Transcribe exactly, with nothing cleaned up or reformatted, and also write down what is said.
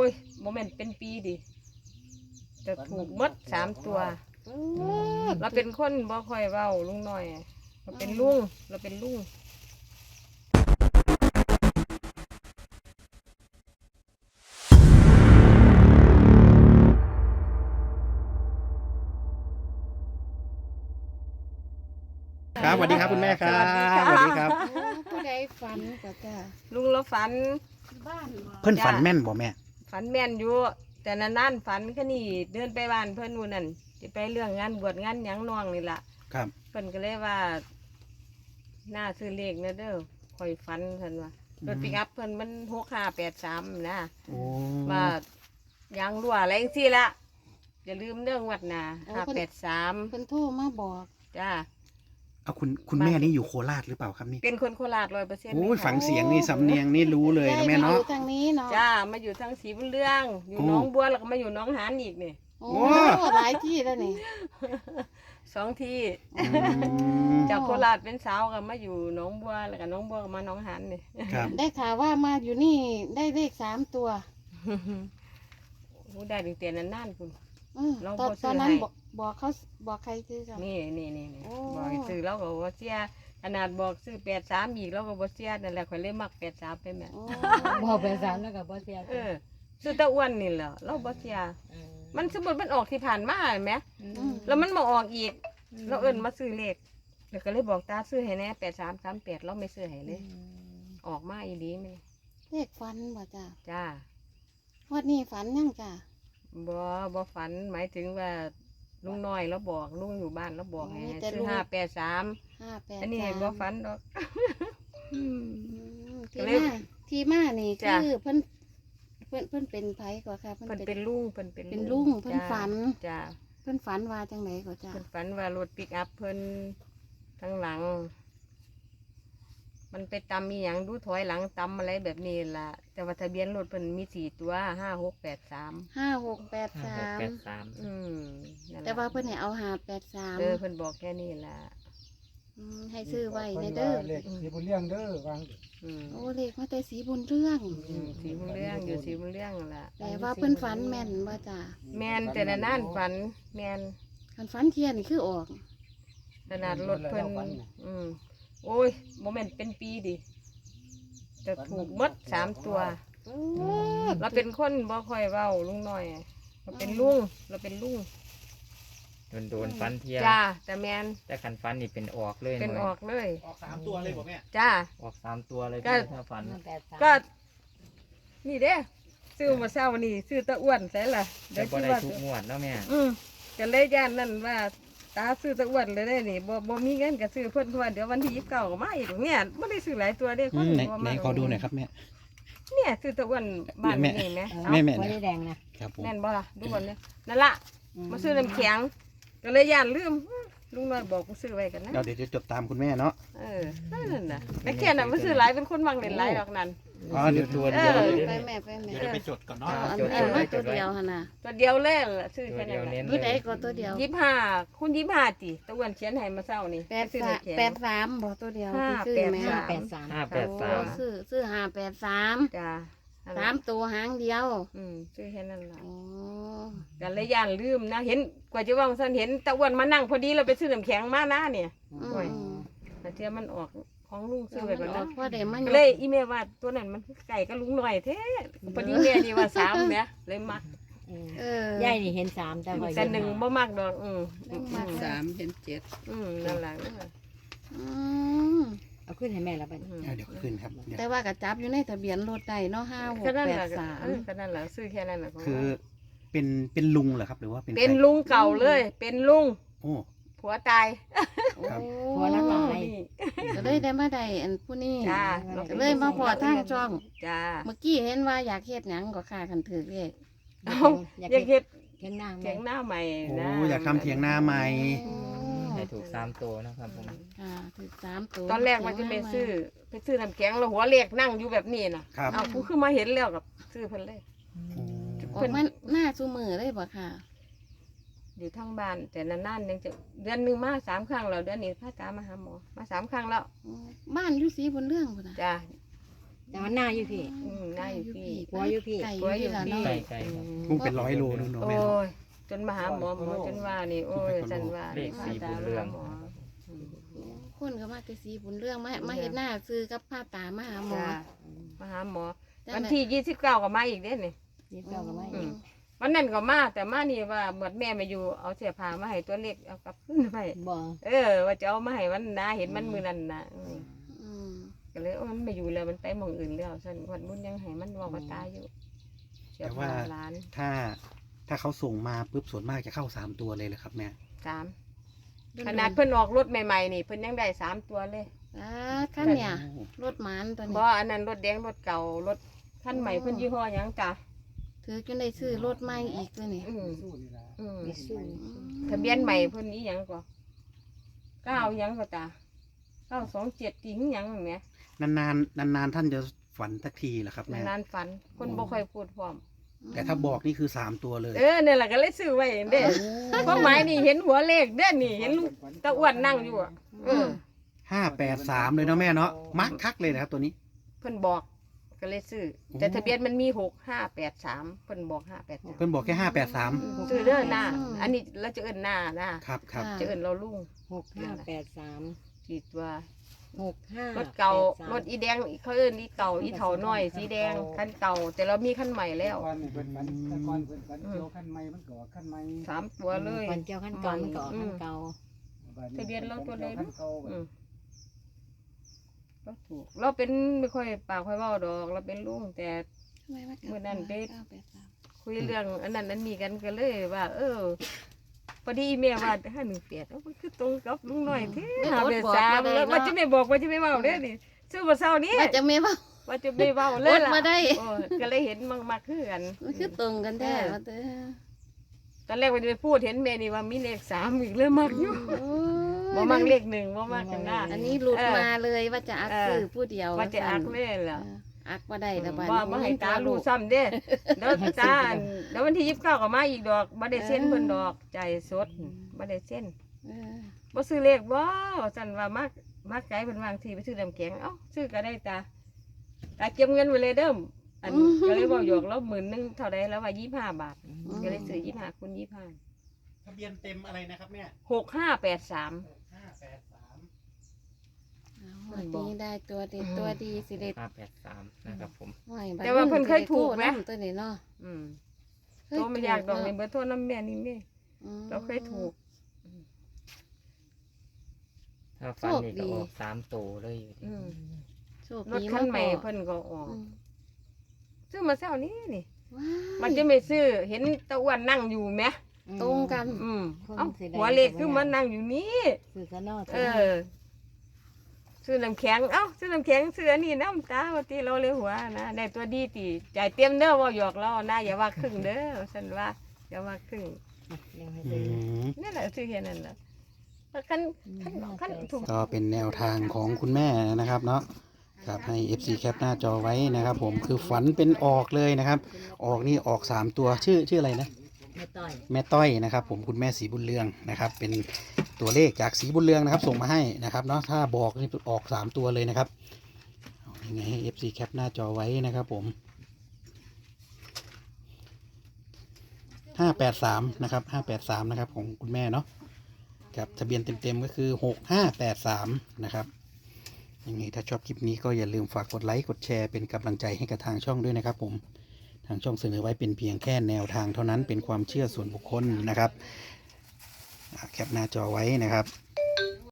ยโมเมนต์เป็นปีดิจะถูกหมดสามตัวเราเป็นคนบ่ค่อยเว้าลุงน้อยเราเป็นลุงเราเป็นลุงครับสวัสดีครับคุณแม่ครับสวัสดีครับผู้ใดฝันก็จ้าลุงเราฝันบ้านเพื่อนฝันแม่นบ่แม่ฝันแม่นอยู่แต่นานๆฝันแค่นี้เดินไปบ้านเพื่อนนู่นนั่นจะไปเรื่องงานบวชงานหยังน้องนี่ล่ะครับเพิ่นก็เลยว่าหน้าซื้อเลขนะเด้อคอยฝันเพิ่นว่ารถปิกอัพเพิ่นมันหกห้าแปดสามนะโอ้ว่ายางรั่วอะไรจังซี่ละอย่าลืมเรื่องวัดนาห้าแปดสามเพิ่นโทรมาบอกจ้าเอาคุณคุณแม่นี่อยู่โคราชหรือเปล่าครับนี่เป็นคนโคราชร้อยเปอร์เซ็นต์โอ้ยฝังเสียงนี่สำเนียงนี่รู้เลยนะแม่อเนาะยู่ทางนี้เนาะจ้ามาอยู่ทางศรีบุญเรื่อง อยู่โอ้หน้องบัวแล้วก็มาอยู่หน้องหานอีกนี่โอ้หลายที่แล้วนี่สองที่อืมจากโคราชเป็นสาวก็มาอยู่หน้องบัวแล้วก็หน้องบัวก็มาหน้องหานนี่ครับได้ข่าวว่ามาอยู่นี่ได้เลขสามตัวโอ้ได้ถึงเตียนนานๆคุณเออเราตอนบ่ซื้อตอนนั้นให้บอกบอกเขาบอกใครซื้อจ้ะนี่นี่นี่นี่โอ้บอกให้ซื้อแล้วก็บ่เสียขนาดบอกซื้อแปดสามอีกแล้วก็บ่เสียนั่นแหละข่อยเลยมักแปดสามไปแม่โอ้บอกไปสามแล้วก็บ่เสียเออซื้อตะอ้วนนี่แหละเราบ่เสียมันสมมุติมันออกที่ผ่านมาเห็นไหมแล้วมันมาออกอีกเราเอิ้นมาซื้อเลขแล้วก็เลยบอกตาซื้อให้แน่แปดสามสามแปดเราไม่ซื้อให้เลย ออกมาอีดีไหมเลขฝันบ่จ้ะจ้าวันนี้ฝันยังจ้ะบ่บ่ฝันหมายถึงว่าลุงน้อยแล้วบอกลุงอยู่บ้านแล้วบอกให้แต่ซื้ลุอง ห้าแปดสามห้าแปดอันนี้สามบ่ฝันดอกอืมที่ก็เลยมาที่มานี่จ้ะคือเพิ่นเพิ่นเพิ่นเป็นไผก่อนค่ะเพิ่นเป็นลุงเพิ่นเป็นเป็นลุงเพิ่นจ้าฝันจ้าเพิ่นฝันว่าจังไหนก็จ้ะเพิ่นฝันว่ารถปิกอัพเพิ่นทั้งหลัง มันไปตำมีหยังดูถอยหลังตำอะไรแบบนี้ล่ะ แต่ว่าทะเบียนรถเพิ่นมีสี่ตัวห้าหกแปดสามห้าหกแปดสามแปดสามอืมนั่นล่ะแต่ว่าเพิ่นให้เอาหาแปดสามเออเพิ่นบอกแค่นี้ล่ะให้ซื้อไว้ในเด้อเลขสีบุญเลี้ยงเด้อวางอืมโอ้เลขมาแต่สีบุญเรื่องอืมสีบุญเรื่องอยู่สีบุญเรื่องนั่นล่ะแต่ว่าเพิ่นฝันแม่นว่าจ้ะแมนแต่ละนั่นฝัน แมนคันฝันเทียนนี่คือออกขนาดรถเพิ่นอืมโอ้ยโมเมนต์เป็นปีดิจะถูกหมดสามตัว เราเป็นคนบ่ค่อยเว้าลุงน้อยเราเป็นลุงเราเป็นลุงโดนโดนฟันเทียจ้าแต่แมนแต่ขันฟันนี่เป็นออกเลยเป็นหอน่อกเลยออกสามตัวเลยบ่แม่จ้าออกสามตัวเลยก็ถ้าฟันก็นี่เด้ซื้อมาเช้านี่ซื้อตะอ้วนใช่ล่ะแต่เดี๋ยวบ่คิดได้ว่าทุกงวดแล้วแม่อืมก็เลยย่านนั่นว่าตาซื้อตะอ้วนเลยได้นี่บ่บ่มีเงินก็ซื้อเพิ่นเพราะว่าเดี๋ยววันที่ยี่สิบเก้าก็มาอีกเนี่ยบ่ได้ซื้อหลายตัวเด้คอืนมไหนบ่ไหนมาขอดูหน่อยครับแม่เนี่ยซื้อตะอ้วนบ้านแม่นี่ไหมแม่แม่ไม่นะได้แดงนะครับผมแน่นบ่ล่ะดูก่อนเนี่ยนั่นล่ะมาซื้อน้ำแข็งก็เลยย่านลืมลุงน้อยบอกกูซื้อไว้กันนะเดี๋ยวเดี๋ยวจะจดตามคุณแม่เนาะเออนั่นน่ะแม่แค่น่ะมาซื้อหลายเป็นคนมักเล่นหลายดอกนั้นอ๋อเดี๋ยวตัวเดียวเออเลยไปแม่ไปแม่เดี๋ยวจะไปจดก่อนเนาะเอาอันนี้มาตัวเดียวหั่นน่ะตัวเดียวเล่นล่ะซื้อตัวแค่เดีนั้ยวนแหเน้ละนผู้ใดเลยก็ตัวเดียวยี่สิบห้าคุณยี่สิบห้าติตะอ้วนเขียนให้มาเช้านี่แปดซื้อสามน้ำแข็งแปดสามบ่ตัวเดียวห้าที่ซื้อแปดแม่สามแปดสามห้าแปดสามโอ้ซื้อซื้อห้าแปดสามจ้าสามตัวหางเดียวอืมซื้อแค่นั้นล่ะโอ้กันเลยย่านลืมนะเห็นกว่าจะว่างสันเห็นตะอ้วนมานั่งพอดีเราไปซื้อน้ำแข็งมาหน้าเนี่ยอืโอ้ยมแต่เทียมันออกของลุงซื้อไว้ก่อนแล้นะวพอได้มันก็เลยอีเมลว่าตัวนั้นมันไก่ก็ลุงหน่อยเท่พอดีแม่นี่ว่าสามเนี่ยเลยมักเออยายนี่เห็นสามแต่ว่าแต่หนึ่งบ่มักดอกอืมมักอืสามเห็นเจ็ดอืมนั่นแหละอืมเอาขึ้นให้แม่แล้วไปอืมเอาเดี๋ยวขึ้นครับเดี๋ยวแต่ว่ากระจับอยู่ในทะเบียนรถได้เนาะห้าหกแค่นั้นแปแหดละสามเออแค่นั้นแหละซื้อแค่นั้นแหละของคือ เป็นเป็นลุงเหรอครับหรือว่าเป็นเป็นใครลุงเก่าเลย เป็นลุงโอ้ผัวตายครับหัวละลายนี่ก็เลยได้มาได้อันผู้นี้จ้าก็เลยมาพอทางช่องจ้าเมื่อกี้เห็นว่าอยากเฮ็ดหยังก็ค่ากันถือเลขเอาอยากอยากเฮ็ดเห็นหน้าเถียงหน้าใหม่โอ้นะอยากทำเถียงนาใหม่ให้ถูกสามตัวนะครับผมค่ะถือสามตัวตอนแรกมันจะไปซื้อไปซื้อน้ำแข็งแล้วหัวเล็กนั่งอยู่แบบนี้น่ะครับเอากูคือมาเห็นแล้วกับซื้อเพิ่นเลยโอ้ออกมาหน้าซูมือเลยบ่ค่ะอยู่ทั้งบ้าน แต่นานๆยังจะเดือนหนึ่งมาสามครั้งแล้วเดือนนี้พาตามาหาหมอมาสามครั้งแล้วบ้านอยู่สีบนเรื่องพุ่นน่ะจ้าแต่ว่าหน้าอยู่พี่อืมน่าอยู่พี่หัวอยู่พี่ไก่อหัวอยู่ยู่ที่ละพี่เนาะไก่ไก่ครับคงเป็นร้อยโลนู่นเนาะโอ้แม่เนาะยจนมาหาหมอหมอจนว่านี่โอ้ยจันว่าเลขสีบุญเรืองหมอคนก็มาแต่สีบุญเรื่องมามาเห็นหน้าซื้อกับผ้าตามาหาหมอจ้ะมาหาหมอแต่วันที่ยี่สิบเก้าก็มาอีกเด้นี่ยี่สิบเก้าก็ไม่อืม วันนั้นก็มาแต่มานี่ว่าเหมือนแม่มาอยู่เอาเสียผ้ามาให้ตัวเล็กเอากลับขึ้นไปบ่เออ ว่าจะเอามาให้มันนะเห็นมันมือนั่นนะอืมอืมก็เลยโอ้มันไม่อยู่แล้วมันไปหมองอื่นแล้วฉันวันบุญยังให้มันบอกว่าตายอยู่เสียแต่ผ้าว่าร้านถ้าถ้าเขาส่งมาปุ๊บส่วนมากจะเข้าสามตัวเลยเหรอครับแม่สามขนาดเพิ่นออกรถใหม่ๆนี่เพิ่นยังได้สามตัวเลยอ่าขั้นเนี่ยโอ้รถหมานตัวเพนี้ราะอันนั้นรถแดงรถเก่ารถคันใหม่เพิ่นยี่ห้อหยังจ้ะถือจนได้ซื้อรถใหม่อีกตัวนี้อืมอืมมีสู้ทะเบียนใหม่เพิ่นนี้หยังก็เก้าหยังก็จ้ะเก้าสองเจ็ดจริงหยังแหมนานๆนานๆท่านจะฝันสักทีเหรอครับแม่นานๆฝันคนบ่ค่อยพูดพร้อมแต่ถ้าบอกนี่คือสามตัวเลยเออเนี่ยแหละก็เลยซื้อไว้เด้เพราะหมายนี่เห็นหัวเลขเด้อนี่เห็นลูกตาอ้วนนั่งอยู่อ่ะเออห้าแปดสามเลยเนาะแม่เนาะมักคักเลยนะครับตัวนี้เพิ่นบอกก็เลยซื้อแต่ทะเบียนมันมีหกห้าแปดสามเพิ่นบอกห้าแปดสามเพิ่นบอกแค่ห้าแปดสามซื้อเด้อหน้าอันนี้เราจะเอิ้นหน้านะครับครับจะเอิ้นเราลุงหกห้าแปดสามกี่ตัวหกห้ารถเก่ารถอีแดงเขาเอิ้นอีเก่าอีเถาน้อยสีแดงคันเก่า แต่เรามีคันใหม่แล้วก่อนนี่เพิ่นฝันแต่ก่อนเพิ่นฝันเกี่ยวขั้นใหม่มันก็ขั้นใหม่สามตัวเลยคนเจ้าขั้นเก่ามันก็ออกขั้นเก่าบัดทะเบียนเราตัวใดขั้นเก่าอืมเราถูกเราเป็นไม่ค่อยปากค่อยเว้าดอก เราเป็นลุงแต่ทำไมากลับมื้อนั้นเด็กเก้าแปดสามคุยเรื่องอันนั้นอันนี้กันก็เลยว่า เออพอดีแม่ว่าห้าหนึ่งเปียดมันคือตรงกับลุงหน่อยเท่หาเป็นสามแล้วว่าจะไม่บอกว่าจะไม่เว้าเด้อนี่ซื้อมาเช้านี้ว่าจะไม่ว่าว่าจะไม่เว้าเลยอดล่ะมาได้โอ้ก็เลยเห็นมากๆคือกันมันคือตรงกันแท้ว่าเด้อตอนแรกว่าจะไปพูดเห็นแม่นี่ว่ามีเลขสามอีกเลยมากอยู่โอ้บ่มักเลขหนึ่งบ่มักกันหน้าอันนี้หลุดมาเลยว่าจะอักซื้อผู้เดียวว่าจะอักเล่นเอล่ะออักว่าได้แล้วบัดว่าบ่ให้ตารู้ซ้ำเด้เดี๋ยวตาอันเดี๋ยววันที่ยี่สิบเก้าก็มาอีกดอกบ่ได้เซ็นเพิ่นดอกใจสดบ่ได้เซ็นเออบ่ซื้อเลขบ่จันว่ามักมักไกลเพิ่นวางทีไปซื้อน้ำแข็งเอ้าซื้อก็ได้ตาตาเก็บเงินไว้เลยเด้ออันก็เลยบอกหยอกแล้วหมื่นหนึงเท่าใดแล้วว่ายี่สิบห้าบาทก็เลยซื้อยี่สิบห้าคูณยี่สิบห้าทะเบียนเต็มอะไรนะครับแม่หกห้าแปดสามห้าแปดสามเอาวันนี้ได้ตัวเด็ดตัวดีสิเด็ดห้าแปดสามนะครับผมห้อยบัดแต่ว่าเพิ่นเคยถูกไหมโทรนำตัวนี้เนาะอืมโตมันอยากดอกในเบอร์โทรน้ำแม่นี่แม่อืมเราเคยถูกถ้าฟันนี่ก็ออกสามตัวเลยอยู่ดีอืมโชครถดีคันใหม่ากเพิ่นก็ออกอืมซื้อมาเช้านี้นี่ว้ายมันจะไม่ซื้อเห็นตะอ้วนนั่งอยู่ไหมตรงกันอืมคนเอ้าสีแดงหัวเล็กคือมันนั่งอยู่นี่ซื้อกันนอกเออ ซื้อน้ำแข็ง เอ้าซื้อน้ำแข็งซื้ออันนี้น้ำตาว่าตีเราเลยหัวนะได้ตัวดีตีจ่ายเตรียมเด้อว่าหยอกเรานะอย่าว่าครึ่งเด้อฉันว่าอย่าว่าครึ่งเลี้ยงให้อืซื้อมนั่นแหละซื้อแค่นั้นแหละคันคันคันถูกก็เป็นแนวทางของคุณแม่นะครับเนาะครับให้ เอฟ ซี แคปหน้าจอไว้นะครับผมคือฝันเป็นออกเลยนะครับ ออกนี่ออกสามตัวชื่อชื่ออะไรนะไม่ต่อยแม่ต้อยนะครับผมคุณแม่สีบุญเรืองนะครับ เป็นตัวเลขจากสีบุญเรืองนะครับ ส่งมาให้นะครับเนาะถ้าบอกนี่ออกสามตัวเลยนะครับเอายังไงให้ เอฟ ซี แคปหน้าจอไว้นะครับผมห้าแปดสามนะครับห้าแปดสามนะครับของคุณแม่เนาะครับทะเบียนเต็มๆก็คือหกห้าแปดสามนะครับยังไงถ้าชอบคลิปนี้ก็อย่าลืมฝากกดไลค์กดแชร์เป็นกำลังใจให้กับทางช่องด้วยนะครับผมทางช่องเสนอไว้เป็นเพียงแค่แนวทางเท่านั้นเป็นความเชื่อส่วนบุคคลนะครับอ่าแคปหน้าจอไว้นะครับ